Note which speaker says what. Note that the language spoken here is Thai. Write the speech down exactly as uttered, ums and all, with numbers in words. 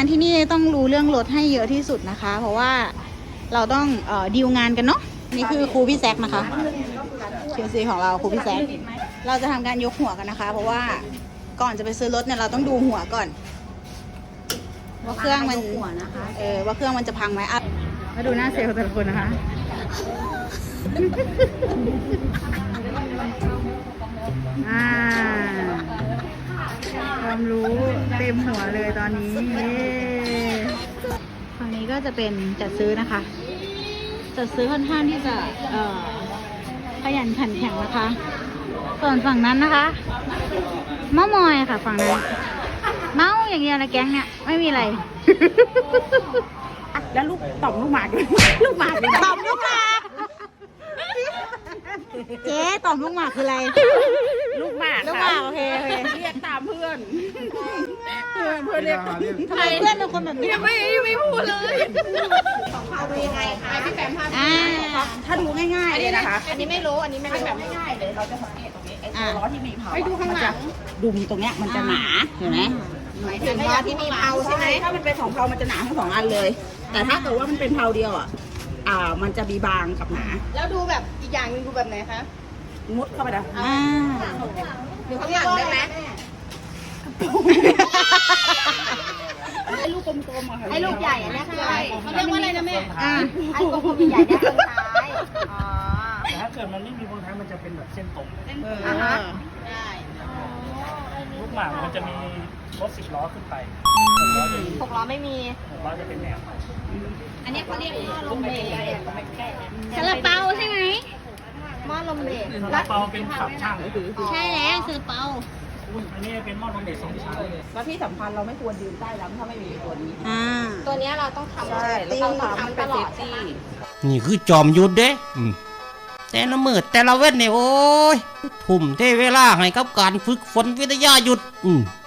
Speaker 1: านที่นี่ต้องรู้เรื่องรถให้เยอะที่สุดนะคะ เพราะว่าเราต้องเอ่อดีลงานกันเนาะนี่คือครูพี่แซกนะคะเคียวซีของเราครูพี่แซกเราจะทำการยกหัวกันนะคะ เพราะว่าก่อนจะไปซื้อรถเนี่ยเราต้องดูหัวก่อนว่าเครื่องมันเออว่าเครื่องมันจะพังไหมอ่ะมาดูหน้าเซลล์แต่ละคนนะคะอ่าความรู้เต็มหัวเลยตอนนี้ฝั่งนี้ก็จะเป็นจัดซื้อนะคะจัดซื้อค่อนข้างที่จะเอ่อขยันขันแข็งนะคะส่วนฝั่งนั้นนะคะเมามอยค่ะฝั่งนั้นเมาอย่างเดียวนะแก๊งเนี่ยไม่มีอะไร
Speaker 2: แล้วลูกต่อมลูกหมากลูกหมาก
Speaker 1: ต่อมลูกหมากเจ๊ต่อมลูกหมากคืออะไร
Speaker 2: ลูกหมาก
Speaker 1: ลูกหมากโอเคโอเค
Speaker 2: เรียกตามเพื่อนเพื่อนเพื่อนเรียก
Speaker 1: ทำไมเพื่อนเป็นคนแบบนี้
Speaker 2: ไม่ไม่พูดเลยเอาดูยังไงคะพี่แปมพา
Speaker 1: อ่า
Speaker 2: ถ้าดูง่ายๆเลยนะคะ
Speaker 3: อันนี้ไม่รู้ อันนี้ไม่รู้
Speaker 2: แบบง่ายๆเลยเราจะสังเกตตรงนี้ไอ้ตัวล้อที่มีเผา
Speaker 3: ไปดูข้างหลัง
Speaker 2: ดุมตรงเนี้ยมันจะหนาเห็นไหม
Speaker 3: หมายถึงว่าที่มีเผาใช่ไหม
Speaker 2: ถ้ามันเป็นสองเผามันจะหนาทั้งสองอันเลย แต่ถ้าเกิดว่ามันเป็นเผาเดียวอ่ะอ่ามันจะมีบางกับหนา
Speaker 3: แล้วดูแบบอีกอย่างหนึงดูแบบไหนคะ
Speaker 2: มุดเข้าไปนะ
Speaker 1: อ่า
Speaker 3: ดูข้างหลังได้ไหม
Speaker 2: ให้ลูกกลมๆอะค่ะ
Speaker 3: ให้ลูกใหญ่อันเนี้ยคืออะไรเขาเรียกว่าอะไรนะแม่
Speaker 1: อ่า
Speaker 3: ไอ้กลมๆใหญ่ๆเนี่ยตรงท้ายอ๋อ
Speaker 4: แต่ถ้าเกิดมันไม่มีวงท้ายมันจะเป็นแบบเส้นตรง
Speaker 2: เออ
Speaker 3: อ่าฮะ ได้
Speaker 4: ลูกหมากมันจะมีรถสิบล้อขึ้นไปหกล้อจะมี
Speaker 3: หกล้อไม่มี
Speaker 4: หกล้อจะเป็นแนว
Speaker 3: อันนี้เขาเรียกหม้อลมเบรก
Speaker 1: ซาลาเปาใช่ไหม
Speaker 3: หม้อลมเบรก
Speaker 4: ซาลาเปาเป็นขับช่าง
Speaker 1: ใช่แล้วซาลาเปา
Speaker 4: อันนี้เป็นหม้อลมเด็กสองชั้น
Speaker 2: แล้วที่สำคัญเราไม่ควรยืนใต้ลำถ้าไม่มีตัวนี้
Speaker 1: อ่า
Speaker 3: ตัวเนี้ยเราต้องทำ
Speaker 2: ใช่เราต้องทำมันเป็นเซฟตี้
Speaker 5: นี่คือจอมยุทธเด้อืมแต่ละมืดแต่ละเว้นเนี่ยโอ้ยทุ่มเทเวลาให้กับการฝึกฝนวิทยายุทธอืม